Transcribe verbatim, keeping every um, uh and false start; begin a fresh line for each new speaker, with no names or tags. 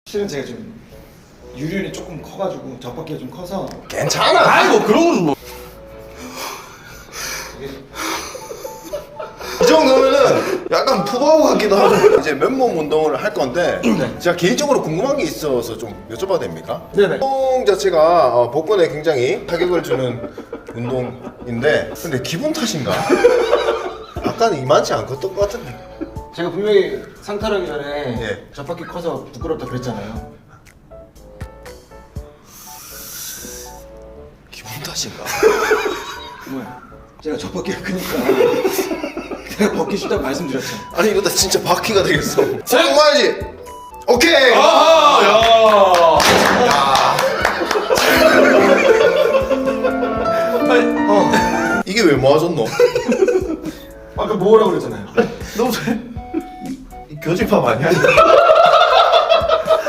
실은 제가 좀 유륜이 조금 커가지고 젖바퀴가 좀 커서.
괜찮아.
아이고 그런 건 뭐.
이 정도면은 약간 푸바오 같기도 하고. 이제 맨몸 운동을 할 건데
네.
제가 개인적으로 궁금한 게 있어서 좀 여쭤봐도 됩니까?
네네.
운동 자체가 어, 복근에 굉장히 타격을 주는 운동인데 근데 기분 탓인가? 약간 이만치 않았던 것 같은데.
제가 분명히 상탈하기 전에
예.
젖바퀴 커서 부끄럽다 그랬잖아요.
기분 탓인가?
뭐야? 제가 젖바퀴가 크니까 그냥 벗기 쉽다고 말씀드렸죠.
아니 이러다 진짜 바퀴가 되겠어. 자, 모아야지. 오케이.
아하 야.
어. 이게 왜 모아졌노?
아까 뭐라고 그랬잖아요.
너무 잘. 이 교집합 아니야?